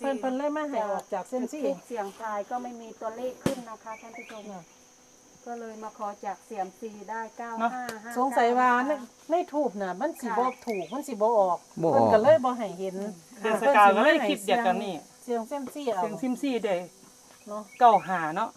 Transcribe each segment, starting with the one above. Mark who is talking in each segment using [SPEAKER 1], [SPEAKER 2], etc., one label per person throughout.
[SPEAKER 1] เพิ่นเลยมาให้ออกจากเส้นซี่
[SPEAKER 2] เสียงทายก็ไม่มีตัวเลขขึ้นนะคะท่านผู้ชมก็เลยมาขอจากเสียงซีได้9559
[SPEAKER 1] สงสัยว่าในทูบน่ะมันสิบ่ถูกมันสิบ่ออกเพิ่นก็เลยบ่ให้เห็น
[SPEAKER 3] เดือนสกาวก็เลยคิดเดียวกันนี่
[SPEAKER 1] เสียงเส้นซี่เอา
[SPEAKER 3] เสียงซิมซี่ได้
[SPEAKER 1] เนาะ
[SPEAKER 3] 95เนาะ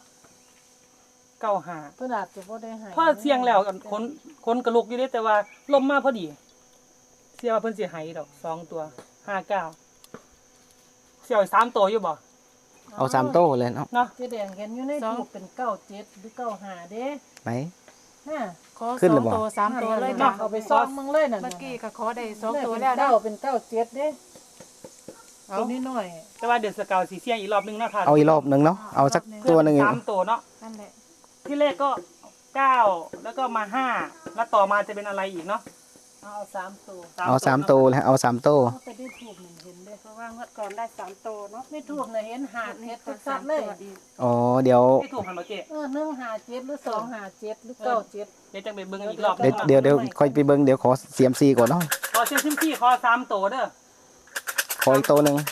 [SPEAKER 3] 95
[SPEAKER 1] เพิ่นอาจจะบ่ได้ให้
[SPEAKER 3] พอเสียงแล้วคนกระลุกอยู่เด้แต่ว่าลมมาพอดีเสียว่าเพิ่นสิให้ดอก2ตัว59เสีย3ตัวอยู่บ่
[SPEAKER 4] เอา3โต้เลยเนาะ
[SPEAKER 1] เจ๊แดงเห็นอยู่ในทูบเป็น97หรือ95เด้
[SPEAKER 4] ไหน
[SPEAKER 1] น่ะ
[SPEAKER 4] ขอ2
[SPEAKER 1] ตัว3ตัวเลยจ้ะเอาไปซ้อมมึงเลยนั่น
[SPEAKER 2] เมื่อกี้ก็ขอได้2ตัวแล้ว
[SPEAKER 1] เป็น97เด้เอานิดหน่อย
[SPEAKER 3] แต่ว่าเดือนสกาวสิเสียงอีกรอบนึงเนาะค่ะ
[SPEAKER 4] เอาอีกรอบนึงเนาะเอาสักตัวนึง
[SPEAKER 3] 3ตัวเนาะ
[SPEAKER 2] นั่นแหละ
[SPEAKER 3] ที่เลขก็9แล้วก็มา5แล้วต่อมาจะเป็นอะไรอีกเนาะ
[SPEAKER 1] เอา3ตัว
[SPEAKER 4] เอา3ตัวแล้วเอา3ตัว
[SPEAKER 1] ไปได้ทูบเห็นเด้
[SPEAKER 2] เพราะว่างวดก่อนได้3ตัวเนาะ
[SPEAKER 1] ในทูบน่ะเห็นหาดเฮ็ดชัดเลย
[SPEAKER 4] อ๋อเดี๋ยว
[SPEAKER 3] ที่ถูกหันมาเจ๊
[SPEAKER 1] 157หรือ257หรือ97
[SPEAKER 3] เดี๋ยวจังไปเบิ่งอีกรอบ
[SPEAKER 4] เดี๋ยวค่อยไปเบิ่งเดี๋ยวขอเสียมซีก่อนเนาะ
[SPEAKER 3] ขอเสียงซิมซี่ขอ3ตัวเด้อ
[SPEAKER 4] ขออีกตัวนึง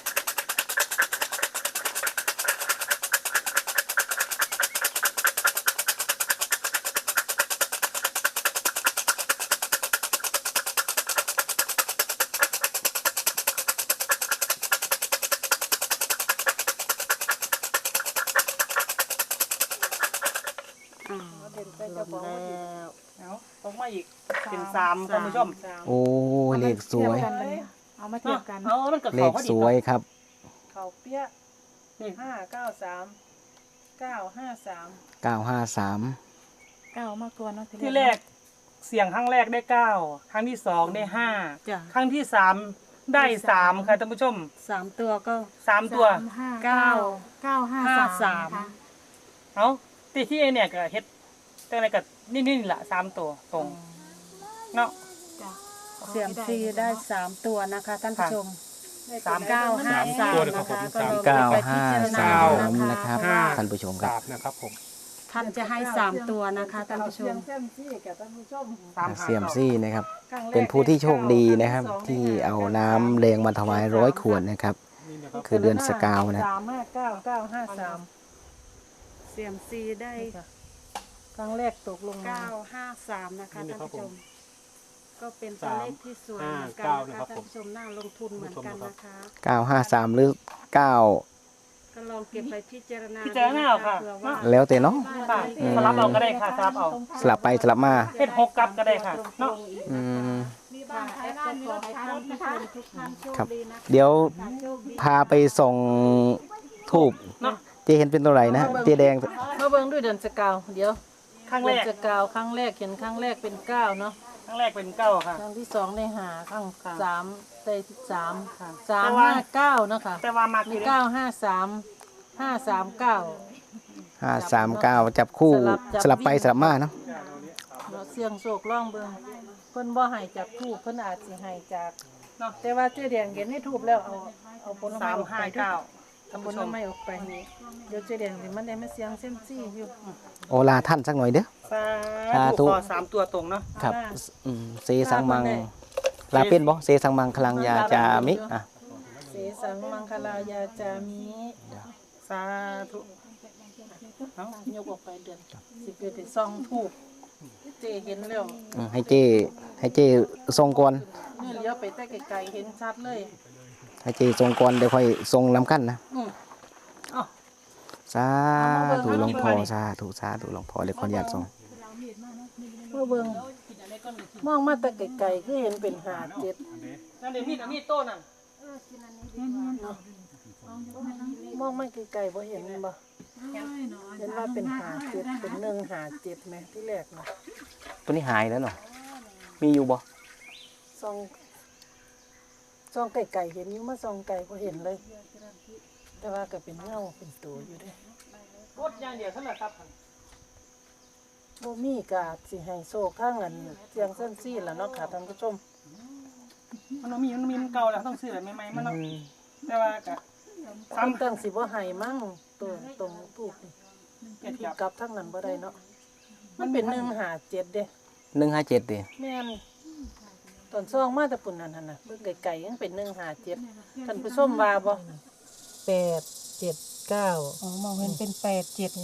[SPEAKER 3] ต้องมาอีกเป็น3ท่านผู้ชม
[SPEAKER 4] โอ้เลขสวย
[SPEAKER 2] เอามาเทียบกัน
[SPEAKER 4] เลขสวยครับ
[SPEAKER 1] เขาเปี้ย593 953
[SPEAKER 4] 953
[SPEAKER 2] มากตัวเนาะ
[SPEAKER 3] ที่แรกเสียงครั้งแรกได้9ครั้งที่2ได้5ครั้งที่3ได้3ค่ะท่านผู้ชม
[SPEAKER 2] 3ตัวก็
[SPEAKER 3] 3ตัว
[SPEAKER 2] 953
[SPEAKER 3] เอ้าที่เนี่ยก็เฮ็ดจังได๋ก็นี่ล่ะ3ตัวตรงเนาะ
[SPEAKER 2] เสียงซีได้3ตัวนะคะท่านผู้ชม
[SPEAKER 4] 953นะครับท่านผู้ชมครับ
[SPEAKER 5] นะครับผม
[SPEAKER 2] ท่านจะให้3ตัวนะคะท่านผู้ชม
[SPEAKER 4] เสียมซี่นะครับเป็นผู้ที่โชคดีนะครับที่เอาน้ำแรงมาถวาย100 ขวดนะครับคือเดือนสกาวนะ
[SPEAKER 1] 359 953
[SPEAKER 2] เสียมซีได้
[SPEAKER 1] ครั้งแรกตกลง
[SPEAKER 2] 953นะคะท่านผู้ชมก็เป็นตัวเลขที่สวยเหมือนกันนะคะท่านผู้ชมน่าลงทุนเหมือนกันนะคะ
[SPEAKER 4] 953หรือ9
[SPEAKER 2] ก็ลองเก็บไปพิจารณา
[SPEAKER 3] ค่ะ
[SPEAKER 4] แล้วแต่เนาะ
[SPEAKER 3] สลับเอาก็ได้ค่ะสลับเอา
[SPEAKER 4] สลับไปสลับมา
[SPEAKER 3] เฮ็ด6กับก็ได้ค่ะเนาะ
[SPEAKER 4] ครับเดี๋ยวพาไปส่งทูบเจเห็นเป็นตัวไหนนะเจแดง
[SPEAKER 1] มาเบิ่งด้วยเดือนสกาวเดี๋ยว
[SPEAKER 3] ครั้งแรก
[SPEAKER 1] สกาวครั้งแรกเห็นครั้งแรกเป็น9เนาะ
[SPEAKER 3] ครั้งแรกเป็น9ค่ะ
[SPEAKER 1] ครั้งที่2ได้5ครั้ง3ได้3ค่ะ359เนาะค่ะ
[SPEAKER 3] แต่ว่ามา
[SPEAKER 1] มี953
[SPEAKER 4] 539จับคู่สลับไปสลับมาเนาะ
[SPEAKER 1] เสียงโศกร้องเบิ่งเพิ่นบ่ให้จากทูบเพิ่นอาจสิให้จากเนาะแต่ว่าเจ๊แดงเห็นในทูบแล้วเอาผลไม้ออกไปท่านผู้ชมไม่ออกไปนี่เดี๋ยวเจ๊แดงสิมันได้มาเสียงเซ็มซี่อยู่
[SPEAKER 4] โอลาท่านสักหน่อยเด้อ
[SPEAKER 3] สาธุ3ตัวตรงเนาะ
[SPEAKER 4] ครับเสสังมังลาเป็นบ่เสสังมังคลังยาจามิ
[SPEAKER 1] เสสังมังคลายาจามิ
[SPEAKER 3] สาธุ
[SPEAKER 1] เอ้ายกออกไปเดือนสิเกิดไปซองทูบเจเห็นแล้ว
[SPEAKER 4] ให้เจทรงก่อน
[SPEAKER 1] นี่เลี้ยวไปแต่ไกลๆเห็นชัดเลย
[SPEAKER 4] ให้เจทรงก่อนเดี๋ยวค่อยทรงลำกั้นนะสาธุหลวงพ่อสาธุหลวงพ่อเดี๋ยวขออนุญาตทรง
[SPEAKER 1] เมื่อเบิ่งมองมาแต่ไกลๆคือเห็นเป็น57
[SPEAKER 3] นั่นเดี๋ยวมีดโต้นั่น
[SPEAKER 1] มองมาไกลๆบ่เห็นบ่เห็นว่าเป็น57เป็น157มั้ยที่แรกนะ
[SPEAKER 4] ตัวนี้หายแล้วเนาะมีอยู่บ่
[SPEAKER 1] ซองไก่เห็นอยู่มาซองไก่บ่เห็นเลยแต่ว่าก็เป็นเงาเป็นตัวอยู่เด้
[SPEAKER 3] กดอย่างเดียวเท่านั้นครับ
[SPEAKER 1] บ่มีกาสิให้โชคทางอันเสียงเส้นซี่ล่ะเนาะค่ะท่านผู้ชม
[SPEAKER 3] มันมีเก่าแล้วต้องซื้อแบบใหม่ๆมันเนาะแต่ว่าก็
[SPEAKER 1] ซ้ำตั้งสิบ่ให้มั่งตัวตรงทูบนี่กลับทางนั้นบ่ได้เนาะมันเป็น157เด้
[SPEAKER 4] 157ดิ
[SPEAKER 1] แม่นตอนซองมาแต่ปุ่นนั่นน่ะเบิ่งไกลๆยังเป็น157ท่านผู้ชมว่าบ่ 879
[SPEAKER 2] อ๋อมองเห็นเป็น879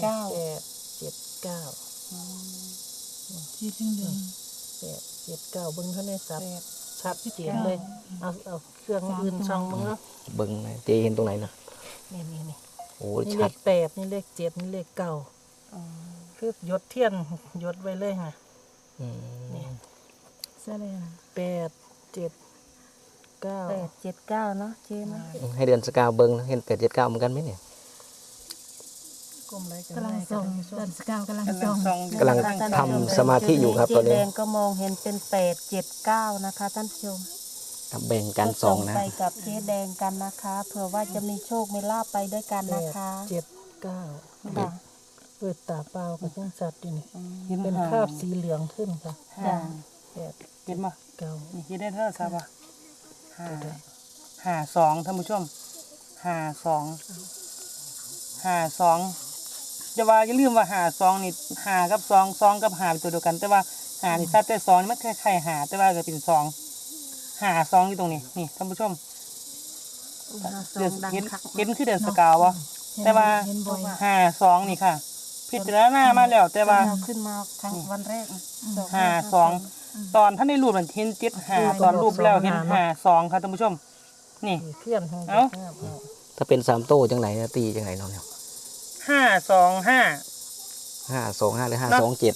[SPEAKER 1] 879ที่เหลือง879เบิ่งเท่าในสัตว์ชัดเจนเลยเอาเครื่องอื่นช่องมึงเนาะ
[SPEAKER 4] เบิ้งนะเจเห็นตรงไหนนะ
[SPEAKER 1] นี่
[SPEAKER 4] โอ้
[SPEAKER 1] นี่เล
[SPEAKER 4] ชัด
[SPEAKER 1] ข8นี่เลข7นี่เลข9
[SPEAKER 2] อ๋อ
[SPEAKER 1] คือหยดเทียนหยดไว้เลยค่ะ
[SPEAKER 4] อืม
[SPEAKER 1] นี่
[SPEAKER 2] เสื้อเลยนะ
[SPEAKER 1] 879
[SPEAKER 2] 879เนาะเจ๊เนาะ
[SPEAKER 4] ให้เดือนสกาวเบิ้งเห็น879เหมือนกันไหมเนี่ย
[SPEAKER 1] กลมไรกัน
[SPEAKER 2] กำลังส่งเดือนสกาวกำลัง
[SPEAKER 3] กำลั
[SPEAKER 2] ส่
[SPEAKER 3] ง
[SPEAKER 2] ง
[SPEAKER 3] ส่อง
[SPEAKER 4] กำลังทำสมาธิอยู่ครับตอนนี้
[SPEAKER 2] เจ๊แดงก็มองเห็นเป็น879นะคะท่านผู้ชม
[SPEAKER 4] ครับแบ่งกันสองนะ
[SPEAKER 2] ไปกับเจ๊แดงกันนะคะเผื่อว่าจะมีโชคมีลาภไปด้วยกันนะคะ
[SPEAKER 1] 79
[SPEAKER 2] ค่ะ
[SPEAKER 1] เปิดตาเปล่ากับยังสัตว์อยู่นี่
[SPEAKER 3] เห็น
[SPEAKER 1] เป็น
[SPEAKER 3] หา
[SPEAKER 1] คราบสีเหลืองขึ้นค่ะ
[SPEAKER 2] จ้ะ
[SPEAKER 1] 8
[SPEAKER 3] เห็นบ่
[SPEAKER 1] 9
[SPEAKER 3] นี่เห็นได้เท่าทราบป่ะ52ท่านผู้ชม52จะว่าอย่าลืมว่า52นี่5กับ2 2กับ5เป็นตัวเดียวกัน แต่ว่า5นี่ซัดแต่2นี่มันคล้ายๆ5แต่ว่าก็เป็น2 52อยู่ตรงนี้นี่ท่านผู้ชม เดือนเห็นคือเดือนสกาวะแต่ว่า
[SPEAKER 2] เห็นบ่อย
[SPEAKER 3] 52นี่ค่ะ พิจารณามาแล้วแต่ว่า
[SPEAKER 2] เราขึ้นมาครั้งวันแรก
[SPEAKER 3] 52ตอนท่านในรูปมันเห็น75ตอนรูปแล้วเห็น52ค่ะท่านผู้ชม นี่
[SPEAKER 1] เทียนของ
[SPEAKER 3] เอ้า
[SPEAKER 4] ถ้าเป็น3โต้จังไหนนะตีจังไหนเนาะเนี่ย
[SPEAKER 3] 525
[SPEAKER 4] 525หรือ527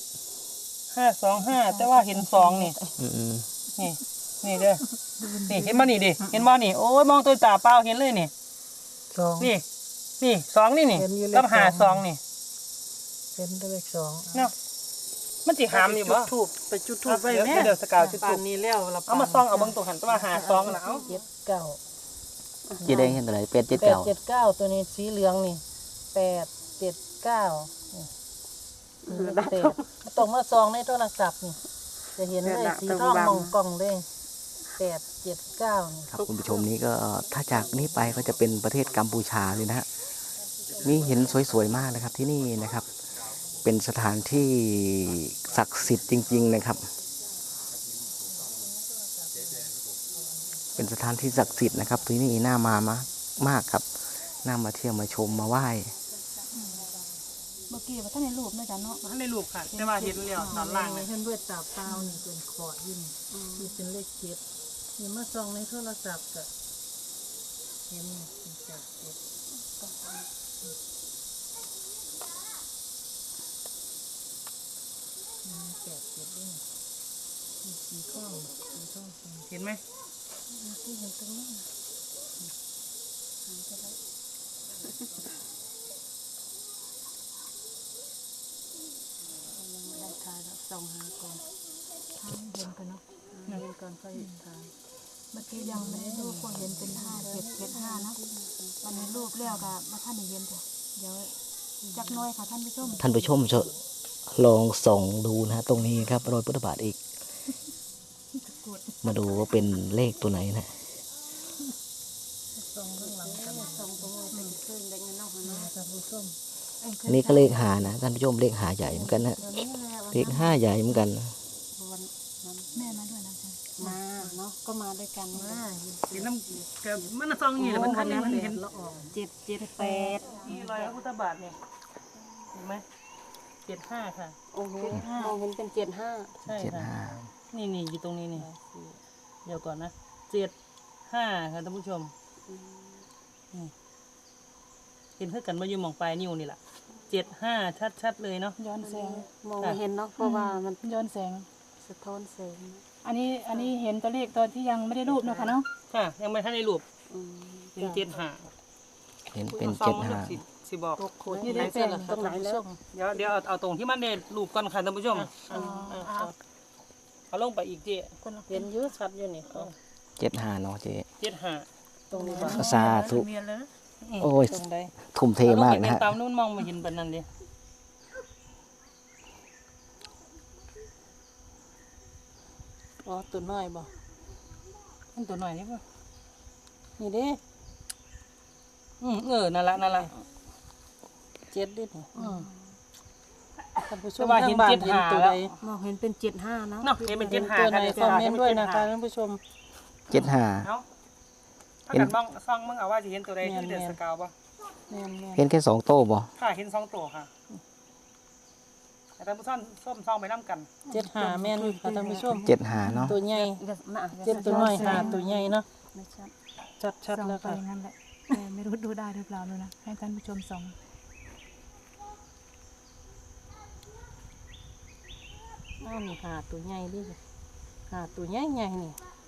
[SPEAKER 3] 525แต่ว่าเห็น2นี่
[SPEAKER 4] อืม
[SPEAKER 3] นี่เด้อนี่เห็นบ่นี่ดิเห็นบ่นี่โอ้ยมองตัวตาเปล่าเห็นเลยนี่
[SPEAKER 1] 2
[SPEAKER 3] นี่2นี่
[SPEAKER 1] เห็นอยู่เลข
[SPEAKER 3] กับ
[SPEAKER 1] สอง
[SPEAKER 3] 52นี่
[SPEAKER 1] เป็นเลข2
[SPEAKER 3] เนาะมันสิหามอยู่บ่
[SPEAKER 1] ทูบไปจุดทูบไว้
[SPEAKER 3] เดี๋ยว
[SPEAKER 1] แม่
[SPEAKER 3] เดี๋ยวสกาวจุดธูป
[SPEAKER 1] ป่านนี้แล้วล่ะ
[SPEAKER 3] เอามาซ่องเอาเบิ่งตัวหันแต่ว่า52น่ะเอา
[SPEAKER 1] 79
[SPEAKER 4] เจแดงเห็นตัวไหน879
[SPEAKER 1] 879ตัวนี้สีเหลืองนี่879นี่8ต้องมาซองในโทรศัพท์นี่จะเห็นเลยสีทองมองกล่องเลย879นี่
[SPEAKER 4] ครับคุณผู้ชมนี้ก็ถ้าจากนี้ไปก็จะเป็นประเทศกัมพูชาเลยนะฮะนี่เห็นสวยๆมากนะครับที่นี่นะครับ เป็นสถานที่ศักดิ์สิทธิ์จริง ๆนะครับ เป็นสถานที่ศักดิ์สิทธิ์นะครับที่นี่น่ามามากครับน่ามาเที่ยวมาชมมาไหว้
[SPEAKER 2] เมื่อกี้ว่าท่านในรูปนะจ๊ะเนาะ
[SPEAKER 3] ท่านในรูปค่ะ แต่ว่าเห็นแล้วตอนล่าง
[SPEAKER 1] นี่
[SPEAKER 3] นะ
[SPEAKER 1] เพิ่นเบิดตาเปล่านี่เป็นขอดอยู่นี่เป็นเลข7นี่มาซองในโทรศัพท์ก็เห็นนี่87นี่สีทอง
[SPEAKER 3] เห็นไหม
[SPEAKER 2] ที่เห็นตรงนี้นะยังไม่ได้ทายแล้วส่องหาก่อนทายเห็นกันเนาะ
[SPEAKER 1] เห็นก่อนค่อยทาย
[SPEAKER 2] เมื่อกี้ยังไม่ได้รูปก็เห็นเป็น5775นะวันนี้รูปแล้วก็มาท่านได้เห็นจ้ะเดี๋ยวจักหน้อยค่ะท่านผู้ชม
[SPEAKER 4] ท่านผู้ชมจะลองส่องดูนะฮะตรงนี้ครับรอยพุทธบาทอีก มาดูว่าเป็นเลขตัวไหนนะ
[SPEAKER 1] ซองข้างหลังกัน
[SPEAKER 2] ส่องตรงนี้เป็นเครื่องเด็กเนาะเนาะ
[SPEAKER 1] ท่านผู้ชม
[SPEAKER 4] อันนี้ก็เลขหานะท่านผู้ชมเลขหาใหญ่เหมือนกันนะ
[SPEAKER 2] เดี๋ยวนี้แหละวัน
[SPEAKER 4] เลข5ใหญ่เหมือนกัน
[SPEAKER 2] นั้นแม่มาด้วยนะจ๊ะมาเนาะก็มาด้วยกันมา
[SPEAKER 3] เห็นน้ำกับมันซองนี่แหละมันทันนี่มันเห็น
[SPEAKER 1] ละออง
[SPEAKER 2] 778
[SPEAKER 3] นี่รอยพระพุทธบาทเนี่ยเห็นไหม75ค่ะ
[SPEAKER 2] โอ้โหมองเห็นเป็น75
[SPEAKER 3] ใช่
[SPEAKER 4] เจ็ด
[SPEAKER 3] ค่ะ
[SPEAKER 4] ห้า
[SPEAKER 3] นี่อยู่ตรงนี้นี่เดี๋ยวก่อนนะ75ค่ะท่านผู้ชมนี่เห็นเพื่อกันมาอยู่หมองปลายนิ้วนี่แหละ75ชัดๆเลยเนาะ
[SPEAKER 2] ย้อนแสงมองไม่เห็นเนาะเพราะว่ามัน
[SPEAKER 5] ย้อนแสง
[SPEAKER 2] สะท้อนแสง
[SPEAKER 5] อันนี้เห็นตัวเลขตอนที่ยังไม่ได้รูปเนาะค่ะเนาะ
[SPEAKER 3] ค่ะ ยังไม่ทันได้รูป
[SPEAKER 2] อืม
[SPEAKER 3] เป็น75
[SPEAKER 4] เห็นเป็น
[SPEAKER 3] ซองมัน
[SPEAKER 4] 75
[SPEAKER 3] สิบอก
[SPEAKER 1] นี่ได้เป็นตรงไหนแล้ว
[SPEAKER 3] เดี๋ยวเอาตรงที่มันได้รูปก่อนค่ะท่านผู้ชมเอาลงไปอีกเจ๊
[SPEAKER 1] เห็นอยืดชัดอยู่นี่
[SPEAKER 4] 75เนาะเจ๊
[SPEAKER 3] 75
[SPEAKER 1] ตรงนี้บ่
[SPEAKER 4] ก็สาธุโอ้ย
[SPEAKER 1] ตรงใด
[SPEAKER 4] ทุ่มเทมากนะฮะ
[SPEAKER 3] ตามนู้นมองมาเห็นแบบนั้นเลย
[SPEAKER 1] อ๋อตัวน้อยบ่
[SPEAKER 3] มันตัวหน่อยนี่ป่ะ
[SPEAKER 1] นี่เด้
[SPEAKER 3] นั่นละ
[SPEAKER 1] 7ดินี่ท่านผู้ช
[SPEAKER 3] แต่
[SPEAKER 1] ม
[SPEAKER 3] ว่า
[SPEAKER 1] ทา
[SPEAKER 3] เห็
[SPEAKER 1] ง
[SPEAKER 3] น
[SPEAKER 1] บ้าน
[SPEAKER 3] เจ็ด
[SPEAKER 1] เห็น
[SPEAKER 3] หา
[SPEAKER 1] ตัว
[SPEAKER 3] แล้
[SPEAKER 1] ใด
[SPEAKER 3] ว
[SPEAKER 2] มองเห็นเป็น75เนาะ
[SPEAKER 3] เนาะเห็นเป็น
[SPEAKER 1] เห็น
[SPEAKER 3] 75
[SPEAKER 1] ตัวไหนคอมเมนต์ด้วยนะคะ
[SPEAKER 3] เห็
[SPEAKER 1] ท่านผู้ชม
[SPEAKER 4] 75
[SPEAKER 3] เอาถ้ถ้ากันมองซองมึงเอาว่าจะเห็นตัวใดที่เดือดสกาวป่ะ
[SPEAKER 1] แม่น
[SPEAKER 4] เห็นแค่2 โต้บ่
[SPEAKER 3] ค่ะเห็น2 ตัวค่ะแต่ท่านผู้ชมส้มซองไปน้ำกัน
[SPEAKER 1] ๆ75แม่นค่ะท่านผู้ชม
[SPEAKER 4] 7 หาเนาะ
[SPEAKER 1] ตัวใหญ่
[SPEAKER 2] เดี๋ยวมา
[SPEAKER 1] เจ็ดตัวน้อยห้าตัวใหญ่เนาะ
[SPEAKER 2] ไม่ชัด
[SPEAKER 1] ชัด
[SPEAKER 5] ส่อง
[SPEAKER 1] ๆแล้ว
[SPEAKER 5] ไป
[SPEAKER 1] ค่ะ
[SPEAKER 5] อย่างนั้นแหละแต่ไม่รู้ดูได้หรือเปล่าเลยนะให้ท่านผู้ชมส่อง
[SPEAKER 1] อ้าวนี่หาตัวใหญ่ดิหาตัวใหญ่ใหญ่นี่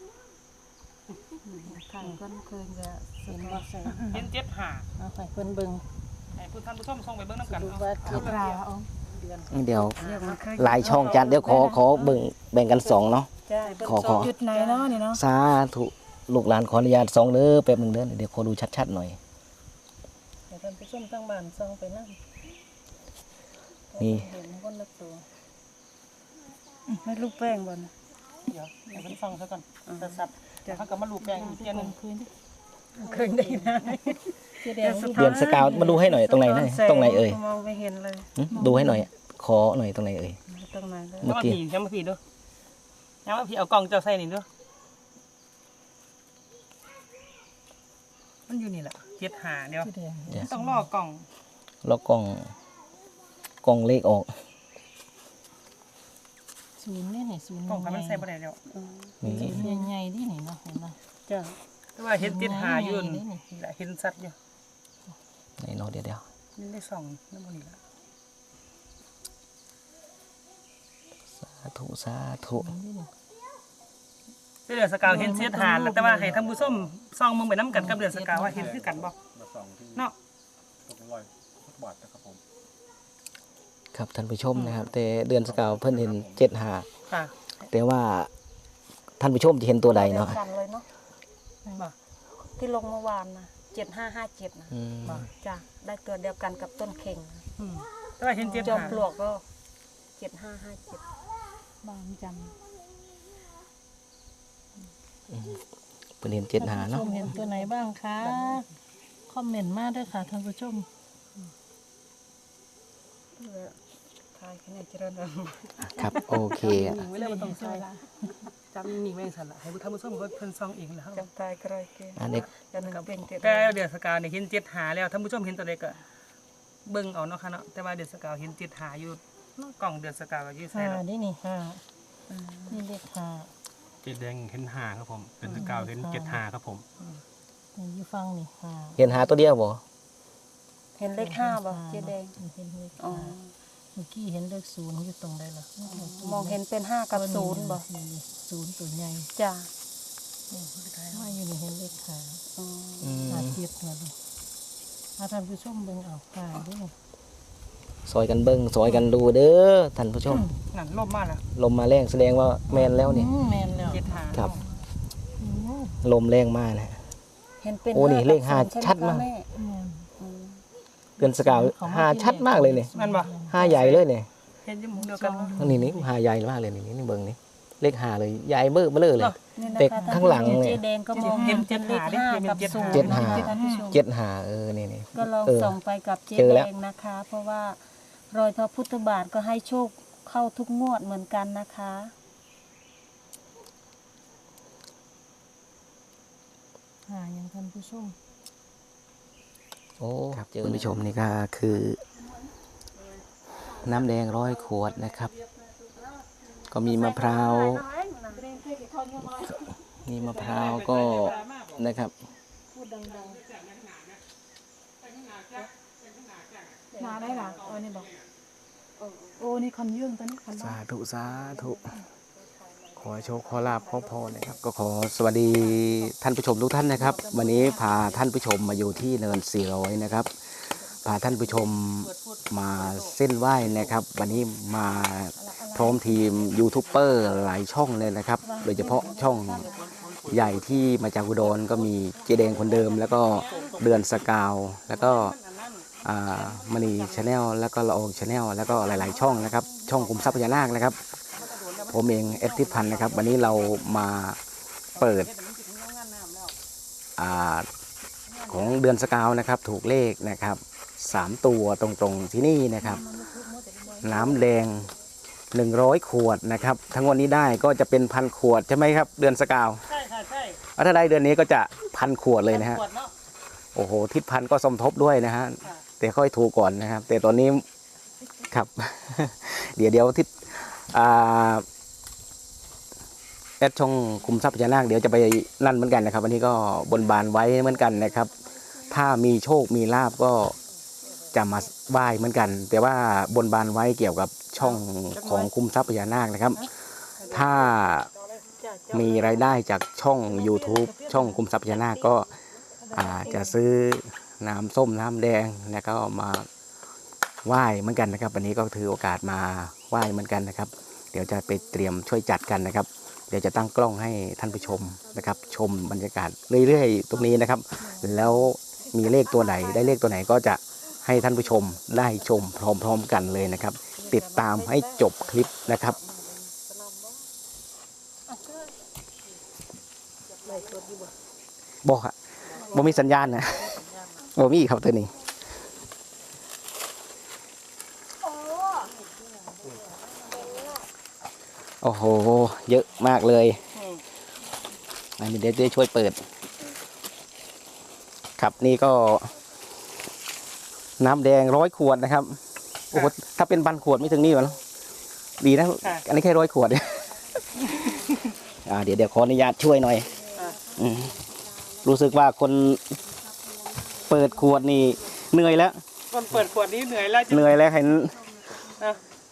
[SPEAKER 2] ทางก็เคยจะ
[SPEAKER 1] เห็นบ่ใส่
[SPEAKER 3] เห็น7 หา
[SPEAKER 1] เอาไปเพิ่นเบิ่ง
[SPEAKER 3] ให้ท่านผู้ชมส่งไปเบิ่งน้ำกัน
[SPEAKER 1] ดู
[SPEAKER 3] เอา
[SPEAKER 1] ว่า
[SPEAKER 5] เอา
[SPEAKER 1] เจ็ด
[SPEAKER 5] ปลาเอา
[SPEAKER 1] เดือน
[SPEAKER 4] เดี๋ยวหลายช่องจัดเดี๋ยวขอแบ่งกัน2เนาะ
[SPEAKER 1] จ้าเบิ่ง
[SPEAKER 4] ขอ
[SPEAKER 1] ซอง
[SPEAKER 5] จุดไหนเนาะนี่เนาะ
[SPEAKER 4] สาธุลูกหลานขออนุญาต2เด้อแป๊บนึงเด้อเดี๋ยวขอดูชัดๆหน่อย
[SPEAKER 1] ให้ท่านผู้ชมทั้งบ้านซองไปนั่ง
[SPEAKER 4] นี่
[SPEAKER 1] เห็นคนละตัว
[SPEAKER 2] ไม่ลูกแป้งบน
[SPEAKER 3] เดี๋ยวให้เพิ่นส่องซะก่อนสับๆเดี๋ยวเขาก็มาลูบแปลงอีกเตี้ยหนึง
[SPEAKER 1] เคยได้นะเจ๊แดง
[SPEAKER 4] เดือนสกาวมาดูให้หน่อยตรงไหนนะตรงไหนเอ่ย
[SPEAKER 2] มองไม่เห็นเลย
[SPEAKER 4] ดูให้หน่อย ขอหน่อยตรงไหนเอ่ย
[SPEAKER 2] ตรงไหนเลย
[SPEAKER 4] เมื่อกี้
[SPEAKER 3] ยังมาผีดูยังมาผีเอากล่องเจ้าใส่นี่ดูมันอยู่นี่แหละ7 หาเดี๋ยว
[SPEAKER 1] เจ๊แดง
[SPEAKER 4] เดี๋ยว
[SPEAKER 3] ต้องรอกล่อง
[SPEAKER 4] แล้วกล่องเลขออก
[SPEAKER 1] ศูนย์นี่นี่ศูนย์
[SPEAKER 3] กล่องให้มันใส่บ่ได้แล้ว
[SPEAKER 4] นี่
[SPEAKER 1] ศูนย์ใหญ่ๆดินี่เนาะเห็นบ่
[SPEAKER 3] จ้าแต่ว่าเห็น7 หาอยู่นี่แหละเห็นสัตว์อยู่
[SPEAKER 4] ไหนเนาะเดี๋ยว
[SPEAKER 3] นี่ได้ส่องน้ำมันนี่ละ
[SPEAKER 4] สาธุสาธุ
[SPEAKER 3] เดือดสกาวเห็น7 หาแล้วแต่ว่าให้ท่านผู้ชมส่องมึงไปน้ำกันกับเดือดสกาวว่าเห็นคือกันบ่เนาะ
[SPEAKER 4] ครับท่านผู้ชมนะครับ แต่เดือนสกาวเพิ่นเห็น7 หา
[SPEAKER 3] ค่ะ
[SPEAKER 4] แต่ว่าท่านผู้ชมจะเห็นตัวใดเนาะ
[SPEAKER 2] กันเลยเนาะ
[SPEAKER 3] บ่
[SPEAKER 2] ที่ลงเมื่อวานนะ7557นะ
[SPEAKER 4] อืม
[SPEAKER 2] จ้ะได้ตัวเดียวกันกับต้นเข่งนะ
[SPEAKER 3] อืมแต่ว่าเห็น7
[SPEAKER 2] จอม
[SPEAKER 3] หา
[SPEAKER 2] ปลวกก็7557
[SPEAKER 5] บางจ
[SPEAKER 4] เพิ่นเห็น7 หา
[SPEAKER 1] ท่าน
[SPEAKER 4] เนาะ
[SPEAKER 1] ผู้ชมเห็นตัวไหนบ้างคะคอมเมนต์มาด้วยค่ะท่านผู้ชม
[SPEAKER 2] ทายคะแนนเจริญเลย
[SPEAKER 4] ครับโอเค
[SPEAKER 3] หนีไว้เลยบ่ต้องใส่จำหนีไว้สั่นละให้ท่านผู้ชมเขาเพิ่นส่องเองแล้ว
[SPEAKER 2] จำตายก็ไรเก
[SPEAKER 4] อันนี้
[SPEAKER 2] จะหนึ่งเป็นเจ็ด
[SPEAKER 3] แต่เดือดสกาวเนี่ยเห็น7 หาแล้วท่านผู้ชมเห็นตัวใดก็เบิ่งเอาเนาะค่ะเนาะแต่ว่าเดือดสกาวเห็น7 หาอยู่กล่องเดือดสกาวก็อยู่ใส่
[SPEAKER 1] หา
[SPEAKER 3] แล้ว
[SPEAKER 1] ดินี่หานี่เลขหา
[SPEAKER 6] เจ็ดแดงเห็นหาครับผมเป็นสกาวเห็นเจ็ดหาครับผม
[SPEAKER 1] นี่อยู่ฟังนี่หา
[SPEAKER 4] เห็นหาตัวเดียวบ่
[SPEAKER 2] เห็นเลข5บ่เจ๊แดง
[SPEAKER 1] เห็นเลข
[SPEAKER 2] อ๋อ
[SPEAKER 1] หาเมื่อกี้เห็นเลขศูนย์อยู่ตรงใดล่ะ
[SPEAKER 2] มองเห็นเป็น5กับ0บ่
[SPEAKER 1] นี่ศูนย์ตัวใหญ่
[SPEAKER 2] จ้ะ
[SPEAKER 1] ว่าอยู่นี่เห็นเลขหา
[SPEAKER 2] อ๋อ
[SPEAKER 4] อืม
[SPEAKER 1] หาเทียบกันดูท่านผู้ชมเบิ่งเอาหาดินี่
[SPEAKER 4] ซอยกันเบิ่งซอยกันดูเด้อท่านผู้ชม
[SPEAKER 3] นั่นลบมาแล้ว
[SPEAKER 4] ลมมาแรงแสดงว่าแม่นแล้วนี่
[SPEAKER 1] แม่นแล้ว
[SPEAKER 3] 7 หา
[SPEAKER 4] ครับ
[SPEAKER 1] อืม
[SPEAKER 4] ลมแรงมากนะ
[SPEAKER 2] เห็นเป็น
[SPEAKER 4] โอ้นี่เลข
[SPEAKER 2] กับ
[SPEAKER 4] 5
[SPEAKER 2] 0ใไห
[SPEAKER 4] ชัดมาก
[SPEAKER 2] คะแ
[SPEAKER 1] แม่น
[SPEAKER 2] อืม
[SPEAKER 4] เดือนสกาวหาชัดมากเลยนี่
[SPEAKER 3] นั่นบ่
[SPEAKER 4] หาใหญ่เลยนี่
[SPEAKER 3] เห็นอยู่หมุมเดียวกันบ่
[SPEAKER 4] นี่หาใหญ่มากเลยนี่เบิ่งนี่เลขหาเลยใหญ่เบ้อเบ้อเลย
[SPEAKER 2] นี่นะ
[SPEAKER 4] แต่
[SPEAKER 2] คะ
[SPEAKER 4] ข้างหลังเนี่ย
[SPEAKER 2] เจ๊แดงก็มอง
[SPEAKER 3] เห็
[SPEAKER 2] เห็
[SPEAKER 3] น
[SPEAKER 2] นเป็นเลข
[SPEAKER 3] เจ็ดหา
[SPEAKER 2] 5กับ
[SPEAKER 3] เจ็ดหา
[SPEAKER 2] 0
[SPEAKER 4] เจ็ดหา
[SPEAKER 2] นะคะท่านผู้ชม
[SPEAKER 4] 7 หานี่
[SPEAKER 2] ก็ลอง
[SPEAKER 4] เออ
[SPEAKER 2] ส่องไปกับเจ๊
[SPEAKER 4] เจอ
[SPEAKER 2] แด
[SPEAKER 4] แล้ว
[SPEAKER 2] งนะคะ เพราะว่ารอยพระพุทธบาทก็ให้โชคเข้าทุกงวดเหมือนกันนะคะ
[SPEAKER 1] หาอย่างท่านผู้ชม
[SPEAKER 4] โอ้ครับคุณผู้ชมนี่ก็คือ น้ำแดง100 ขวดนะครับ ก็มีมะพร้าวมีมะพร้าวก็นะครับ
[SPEAKER 5] ำมาได้หรอโอ้นี่บอกโอ้นี่คันยื่งตอนนี้คัน
[SPEAKER 4] สาธุสาธุขอโชคขอลาภขอพรนะครับ ก็ขอสวัสดีท่านผู้ชมทุกท่านนะครับ วันนี้พาท่านผู้ชมมาอยู่ที่เนิน400นะครับพาท่านผู้ชมมาเส้นไหว้นะครับ วันนี้มาพร้อมทีมยูทูบเบอร์หลายช่องเลยนะครับ โดยเฉพาะช่องใหญ่ที่มาจากอุดรก็มีเจแดงคนเดิม แล้วก็เดือนสกาวแล้วก็มณีชาแนลแล้วก็ละอองชาแนลแล้วก็หลายๆช่องนะครับ ช่องคุมทรัพย์พญานาคนะครับ ผมเองเอทิพันธ์นะครับ วันนี้เรามาเปิดของเดือนสกาวนะครับ ถูกเลขนะครับ3 ตัวตรงๆที่นี่นะครับ น้ำแดง100 ขวดนะครับ ทั้งวันนี้ได้ก็จะเป็น1,000 ขวดใช่ไหมครับ เดือนสกาว
[SPEAKER 3] ใช่คค่ะใช่
[SPEAKER 4] ถ้าได้เดือนนี้ก็จะ1,000 ขวดเลยนะฮะ
[SPEAKER 3] ขวดเนาะ
[SPEAKER 4] โอ้โหทิศพันธุ์ก็สมทบด้วยนะฮะ
[SPEAKER 3] ค่ะ
[SPEAKER 4] แต่ค่อยถูกก่อนนะครับ แต่ตอนนี้ครับ เดี๋ยวทิศแอดช่องคุมทรัพย์พญานาคเดี๋ยวจะไปนั่นเหมือนกันนะครับวันนี้ก็บนบานไว้เหมือนกันนะครับ ถ้ามีโชคมีลาบก็จะมาไหว้เหมือนกัน แต่ว่าบนบานไว้เกี่ยวกับช่องของคุมทรัพย์พญานาคนะครับ ถ้ามีรายได้จากช่อง YouTube ช่องคุมทรัพย์พญานาคก็จะซื้อน้ำส้มน้ำแดงแล้วก็มาไหว้เหมือนกันนะครับวันนี้ก็ถือโอกาสมาไหว้เหมือนกันนะครับ เดี๋ยวจะไปเตรียมช่วยจัดกันนะครับ เดี๋ยวจะตั้งกล้องให้ท่านผู้ชมนะครับ ชมบรรยากาศเรื่อยๆตรงนี้นะครับ แล้วมีเลขตัวไหนได้เลขตัวไหนก็จะให้ท่านผู้ชมได้ชมพร้อมๆกันเลยนะครับ ติดตามให้จบคลิปนะครับ บอกอะบ่มีสัญญาณนะบ่มีครับตัวนี้โอ้โหเยอะมากเลยอันนี้เดี๋ยวจะช่วยเปิด ครับนี่ก็ น้ำแดง100 ขวดนะครับโอ้โหถ้าเป็น1,000 ขวดไม่ถึงนี่หรอดีนะอันนี้แค่100 ขวด เดี๋ยวขออนุญาตช่วยหน่อยรู้สึกว่าคนเปิดขวดนี่เหนื่อยแล้ว
[SPEAKER 3] คนเปิดขวดนี้เหนื่อยแล้ว
[SPEAKER 4] เหนื่อยแล้วเห็น
[SPEAKER 3] อ่ะ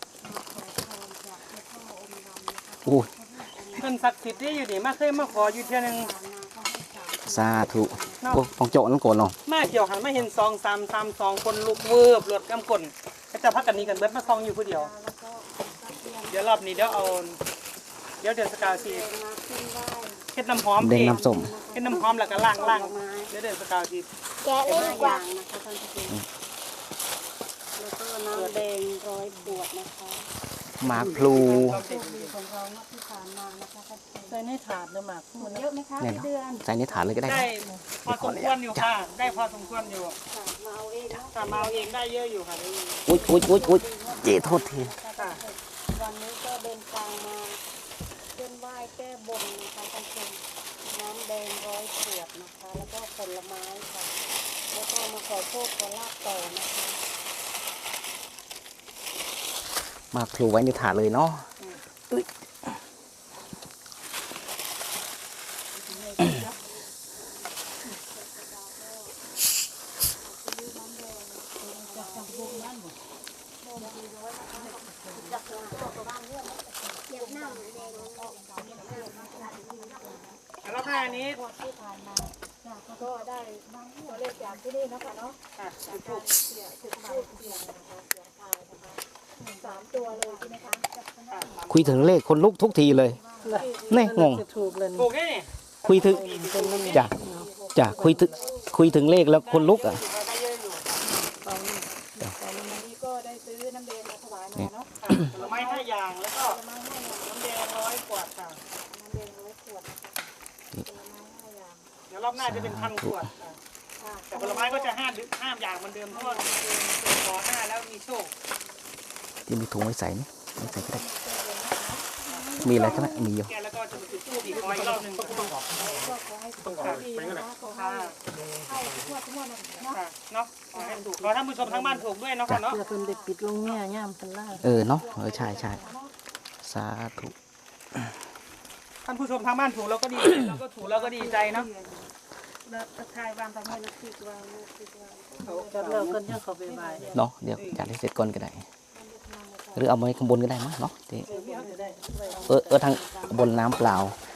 [SPEAKER 4] โอ้
[SPEAKER 3] เงินศักดิ์สิทธิ์ที่อยู่นี่มาเคยมาขออยู่เท่านึง
[SPEAKER 4] สาธุโอ้ของโจนั่นโกนเนาะ
[SPEAKER 3] มาเกี่ยวหันมาเห็น2-3-3-2คนลุกเวิบรถกำกลก็จะพักกันนี้กันเบิดมาซองอยู่ผู้เดียว เดี๋ยวรอบนี้เดี๋ยวเอาเดือนสกาวสีเฮ็ดน้ำหอม
[SPEAKER 4] แดงน้ำส้ม
[SPEAKER 3] เฮ็ดน้ำหอมแล้วก็ล้างเดี๋ยวเดือนสกาวสี
[SPEAKER 2] แกะเลยดีกว่านะคะท่านผู้ชมแล้วก็น้ำแดง100 ขวดนะคะ
[SPEAKER 4] หมากพลู
[SPEAKER 2] ของเราเมื่อที่ผ่านมานะคะท่านผู้ชม
[SPEAKER 1] ใส่ในถาดเด้อหมาก
[SPEAKER 2] หมดเยอะไหมคะ
[SPEAKER 4] เนี่ย
[SPEAKER 2] พี่
[SPEAKER 4] เนาะ
[SPEAKER 2] เดือน
[SPEAKER 4] ใส่ในถาดเลยก็ได้
[SPEAKER 3] ได้พอสมควรอยู่ค่ะ ได้พอสมควรอยู่
[SPEAKER 2] ค่ะมาเอาเองเนาะ
[SPEAKER 3] แต่มาเอาเองได้เยอะอยู่ค่ะได้เยอะ
[SPEAKER 4] อุ๊ยเจ๊โทษที
[SPEAKER 3] ค่ะ
[SPEAKER 2] วันนี้ก็เดินทางมาเส้นไหว้แก้บนนะคะท่านผู้ชมน้ำแดง100 ขวดนะคะ แล้วก็ผลไม้ค่ะ แล้วก็มาขอโชคขอลาบต่อนะคะ
[SPEAKER 4] หมากพลูไว้ในถาดเลยเนาะอุ๊ย
[SPEAKER 3] แล้วรอบหน้านี้
[SPEAKER 2] ที่ผ่านมาก็ได้ตัวเลขจากที่นี่นะคะเนาะ
[SPEAKER 3] ค่ะถูก
[SPEAKER 2] เสียงพูดเสียงนะคะเสียงทายนะคะ3 ตัวเลยใช่ไหมคะ
[SPEAKER 4] คุยถึงเลขคนลุกทุกทีเลยนี่งง
[SPEAKER 1] จะถูกเลย
[SPEAKER 3] ถูกแค่นี้
[SPEAKER 4] คุยถึงจ้ะคุยถึงเลขแล้วคนลุกอ่ะ
[SPEAKER 3] ได้เยอะอยู่
[SPEAKER 2] วันนี้ก็ได้ซื้อน้ำแดงมาถวายมาเนาะ
[SPEAKER 3] ค่ะผลไม้5 อย่างแล้วก็น้ำแดง100 ขวดค่ะ
[SPEAKER 2] น้ำแดง100 ขวดนะคะผลไม้5 อย่าง
[SPEAKER 3] เดี๋ยวรอบหน้าจะเป็น1,000 ขวดค่ะ
[SPEAKER 2] ค่ะ
[SPEAKER 3] แต่ผลไม้ก็จะ5 อย่างเหมือนเดิมเพราะว่าขอ5แล้วมีโชค
[SPEAKER 4] ที่มีถุงไว้ใส่นี่ไม่ใส่ก็ได้มีอะไรก็ได้มีอยู่
[SPEAKER 3] แกแล้วก็จะมาจุดธูปอีกขออีกรอบหนึ่งก็ต้องขอ
[SPEAKER 2] ก็ขอให้สุขภาพดีนะคะขอให้เข้าทุกงวดเนาะ
[SPEAKER 3] ค่ะเนาะขอให้ถูกขอท่านผู้ชมทั้งบ้านถูกด้วยเนาะค่ะเนาะ
[SPEAKER 1] เพื่อเพิ่นได้ปิดลงแง่ย่ามเพิ่นล่า
[SPEAKER 4] เนาะใช่สาธุ
[SPEAKER 3] ท่านผู้ชมทั้งบ้านถูกเราก็ดี เราก็ถูกเราก็ดีใจเนาะ
[SPEAKER 2] แล้วทายวางตามให้นักคิดวางนักคิดวาง
[SPEAKER 1] จัดแล้วเพิ่นยังเข้าไปบาย
[SPEAKER 4] เนาะเดี๋ยวจัดให้เสร็จก่อนก็ได้ หรือเอาไว้ข้างบนก็ได้มั้งเนาะทางบนน้ำเปล่า